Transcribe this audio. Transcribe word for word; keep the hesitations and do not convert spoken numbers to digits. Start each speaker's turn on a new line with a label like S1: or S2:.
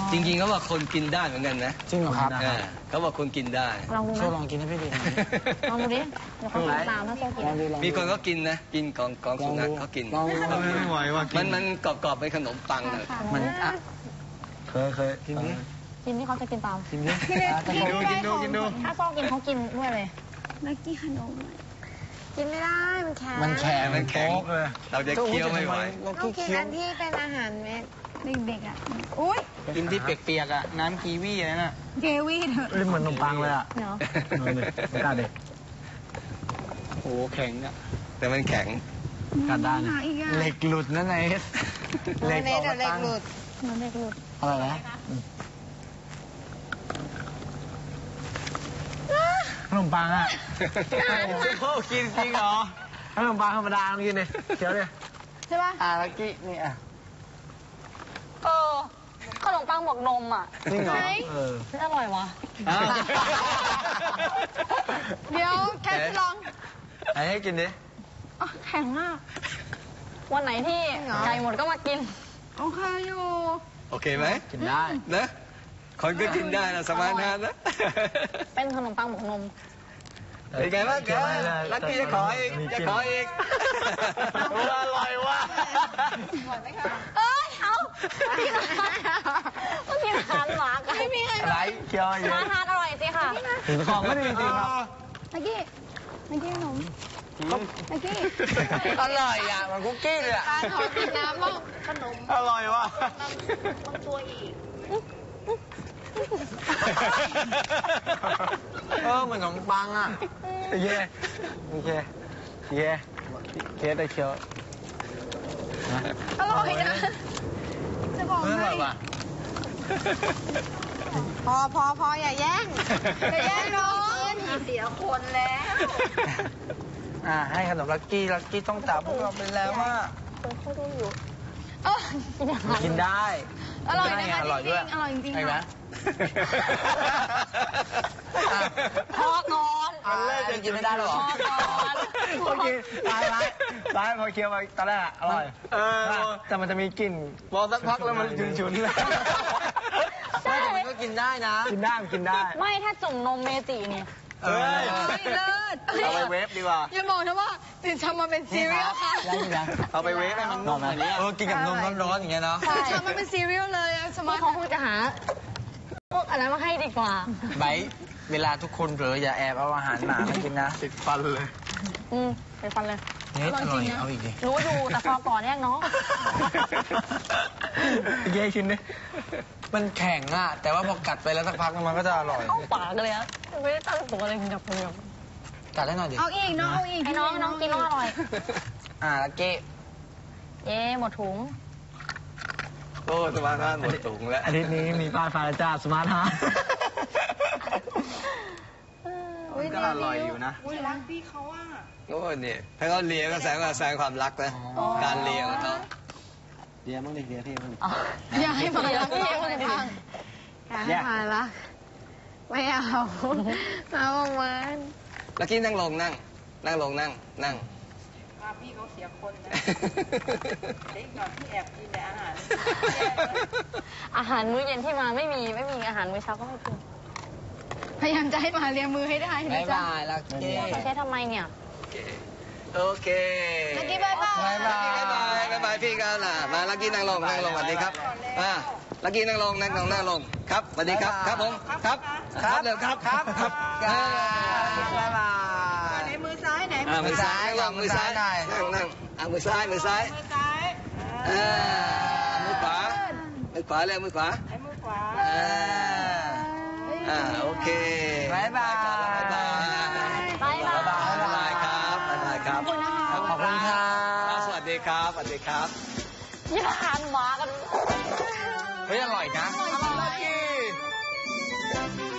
S1: จริงๆเขาบอกคนกินได้เหมือนกันนะ
S2: จริงเหรอครับ
S1: เขาบอกคนกินได้
S3: ลองดูนะ
S2: ช่วยลองกินให้พี่ดู
S3: ลองดูดิเดี๋ยวเขากินตามถ้าโซ่กิน
S1: มีคนก็กินนะกินกองกองสุนัขเขากิน
S4: ไม่ไหวว่ะ
S1: มันมันกรอบๆเป็นขนมปังเลย
S2: มัน
S4: เคยเคยกินดิ
S3: กินที่เขาจะกินตาม
S4: กินดิกินดูกินดูกินดู
S3: ถ้าโซ่กินเขากินด้วยเลย
S5: ลักกี้ขนม
S3: กินไม่ได้มันแข็ง
S2: มันแข็ง
S1: มันแข็งเลยเราจะเคี้ยวไม่ไหว
S3: ต้องกินอันที่เป็นอาหารเม็ด
S5: เด็กๆอ่ะอุ้ย
S2: กินที่เปียกๆอ่ะน้ำกีวีอะไรน่ะ
S5: เกวี่เถอะ
S4: เหมือนขนมปังเลยอ่ะ
S3: เนาะ
S4: ไม่กล้าเด็ก
S2: โอ้แข็งอ่ะ
S1: แต่มันแข็ง
S4: กัดได้นะ
S2: เหล็กหลุดนั่นไง
S3: เหล็กออกมาตั้งเหมือนเหล็กหลุด
S2: อะไรนะ
S4: ขนมปังอ่ะ
S2: โอ้กินจริงเหรอ
S4: ขนมปังธรรมดากินเลยเคี้ยวเลย
S3: ใช่ป่ะ
S2: อ่ะลักกี้นี่อ่ะ
S3: เออขนมปังบวกนมอ่ะ
S2: จริงเหรอ
S4: เออ
S3: อร่อยวะเดี๋ยวแค่ลอง
S2: ให้กินดิ
S3: แข็งมากวันไหนที่ไก่หมดก็มากิน
S5: โอเคอยู่
S1: โอเคไหม
S2: กินได้
S1: นะคนก็กินได้นะสมาร์ทนะ
S3: เป็นขนมปังบวกนม
S1: เป็นไงบ้างแกลักกี้จะขออีกจะขออีก
S2: อร่อยว่ะ
S3: เอ้ยเอากินอาหารก็กินอาหารหมากันไม่มีใคร
S2: ไรเคี้ยวเยอะ
S3: อาหารอร่อยสิค่ะ
S4: ถึงของก็ดีจริงครับ
S5: ลักกี้ลักกี้ขนมลักกี้
S2: อร่อยอ่ะมันคุกกี้เลยอ่ะ
S5: การขอกินน้ำบ้างขนม
S2: อร่อยว่ะ
S5: ต้องตัวอีก
S2: เออเหมือนขนมปังอ่ะ
S4: เย่โอเคเย่เคสได้เคี้ยว
S5: อร่อยนะจะบอกให้พอพอพออย่าแย่งอย่าแย่งน้องเสียคนแล้ว
S2: อ่าให้ขนมลักกี้ลักกี้ต้องจับพวกเราไปแล้วว่ากินได้
S5: อร่อยนะคะจริงๆอร่อยจริงๆ
S2: นะ
S3: พอก่อน
S2: มันเลิกจะกินไม่ได้หรอ
S3: พอก่อน
S4: พอกินร้ายร้ายร้ายพอเคี้ยวไปตอนแรกอร่อย
S2: เออ
S4: แต่มันจะมีกลิ่น
S2: พอสักพักแล้วมันฉุนๆเลยไม่แต่มันก็กินได้นะ
S4: กินได้กินได้
S3: ไม่ถ้าจุ่มนมเมจิเนี่ย
S2: เฮ้ย
S5: เลิศ
S2: เอาไปเวฟดีกว่า
S5: อย่าบอกนะว่าตื่นเช้ามาเป็นซีเรียลค่ะ
S2: เอาไปเวฟให้มันนุ่มแบบนี้เออกินกับนมร้อนๆอย่างเงี้ยเนาะ
S5: ตื่นเช้ามาเป็นซีเรียลเลยสมาร์ท
S3: เขาคงจะหาพวกอะไรมาให้ดีกว่า
S2: ไบเวลาทุกคนเผลออย่าแอบเอาอาหารหมามากินนะ
S4: ติดฟันเลย
S3: อืมติดฟันเลย
S2: นี่อร่อยเอาอีกดิ
S3: รู้อยู่แต่พอก่อนแยกน้อง
S4: เย่ชิ้นดิ
S2: มันแข็งอ่ะแต่ว่าพอกัดไปแล้วสักพักมันก็จะอร่อย
S3: เข้าปากเลยอะไม่ได้ตั้งตัวเลยหยับหยับ
S2: กัดได้หน่อยดิ
S5: เอาอีกน้องเอาอีก
S3: ให้น้องน้องกินน้องอร่อย
S2: อ่าลักกี้
S3: เย่หมดถุง
S1: โอ้สมาร์ทฮาร์ดหมดถุงแล้ว
S4: อาทิตย์นี้มีป้ายไฟจ้าสมาร์ทฮาร์ด
S2: ก็อร่อยอยู่นะ
S5: อุ้ยรักพี่เขาอ่ะ
S1: โอ้เนี่ยถ้าเขาเลียก็แสดงว่าแสดงความรักนะการเลียของเขา
S4: เลียมั้งดิเลียพี่มั้ง
S5: อย่าให้มารักพี่มันพังอย่าให้มารักไม่เอาเอามัน
S1: ลักกี้นั่งลงนั่งนั่งลงนั่งนั่ง
S5: พี่เขาเสียคนนะเด็กก่อนที่แอบกินแต่อาหาร
S3: อาหารมื้อเย็นที่มาไม่มีไม่มีอาหารมื้อเช้าก็ไม่กิน
S5: พยายามจะให้มาเรียนมือให้ได้
S2: บ๊ายบายลักกี้
S3: ใช้ทำไมเนี่ย
S1: โอเค
S5: ลักกี้บ๊ายบาย
S1: บ๊ายบายบ๊ายบายบ๊ายบายพี่กันล่ะมาลักกี้นั่งลงนั่งลงสวัสดีครับอ่าลักกี้นั่งลงนั่งลงนั่งลงครับสวัสดีครับครับผมครับครับเดี๋ยวครับครับครับ
S2: บ๊ายบาย
S5: ไหนมือซ้ายไหน
S1: มือซ้ายลองมือซ้ายนั่งนั่งอ่ามือซ้ายมือซ้าย
S5: มือซ้าย
S1: อ่ามือขวามือขวาเลยมือขวา
S5: ไอ้มือขวา
S1: อ่าอ่าโอเค
S2: บายบาย
S1: บายบาย
S3: บายบาย
S1: บายบายครับบายบายครับ
S2: ขอบคุณครับ
S1: สวัสดีครับสวัสดีครับ
S3: ยี่ห้ออาหารหมากัน
S2: เฮ้ยอร่อยนะ
S3: อร่อย